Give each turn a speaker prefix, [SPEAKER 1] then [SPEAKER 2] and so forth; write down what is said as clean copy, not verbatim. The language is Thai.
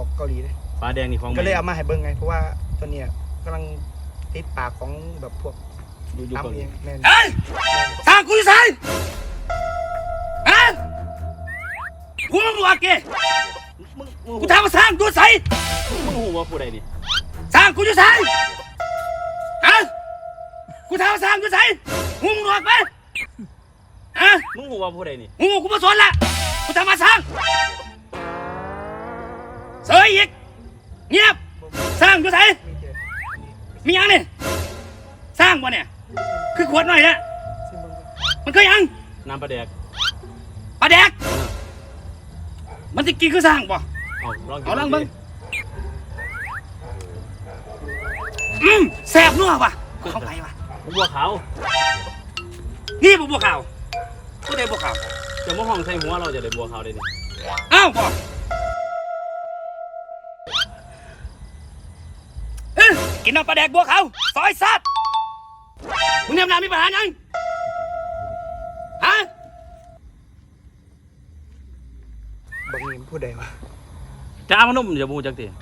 [SPEAKER 1] อกเกาหลีเลย
[SPEAKER 2] ปลาแดงนี่ของ
[SPEAKER 1] ก็เลยเอามาให้เบิ้งไงเพราะว่าตัวเนี้ยกำลังติดปากของแบบพวก
[SPEAKER 2] อยู่
[SPEAKER 1] ทำเองแม่
[SPEAKER 3] เฮ้ยสร้างกูอยู่ไสฮะกูมึงบอกแกกูถามว่าสร้างกูใส่
[SPEAKER 2] มึงหูว่าผู้ใดนี่
[SPEAKER 3] สร้างกูอยู่ไสฮะกูถามว่าสร้างกูใส่หูมึงบอกไปฮะ
[SPEAKER 2] มึงหูว่าผู้ใดนี่
[SPEAKER 3] หูกูมาสนละกูถามว่าสร้างเสยอีกเงียบสร้างอยู่ไสมียังนี่สร้างวะเนี่ยคือขวดหน่อยนะมันคือยัง
[SPEAKER 2] น้ำปลาแดก
[SPEAKER 3] ปลาแดกมันจะกินคือสร้างป่ะ
[SPEAKER 2] เอา
[SPEAKER 3] ลองเบิ้งแซ่บนัวป่ะเข้าไปป่ะ
[SPEAKER 2] บัวขาว
[SPEAKER 3] นี่บัวขาวผู้ใดบัวขาว
[SPEAKER 2] จะมาห้องใส่หัวเราจะได้บัวขาวได้นี่
[SPEAKER 3] อ้าวป่ะกินน้ำปลาแดกบัวขาวซอยซัดมึงเนี่ยมีปัญหายังฮะ
[SPEAKER 1] บางทีพูดได้วะ
[SPEAKER 2] จ้ามันนุ่มอย่าบูจักที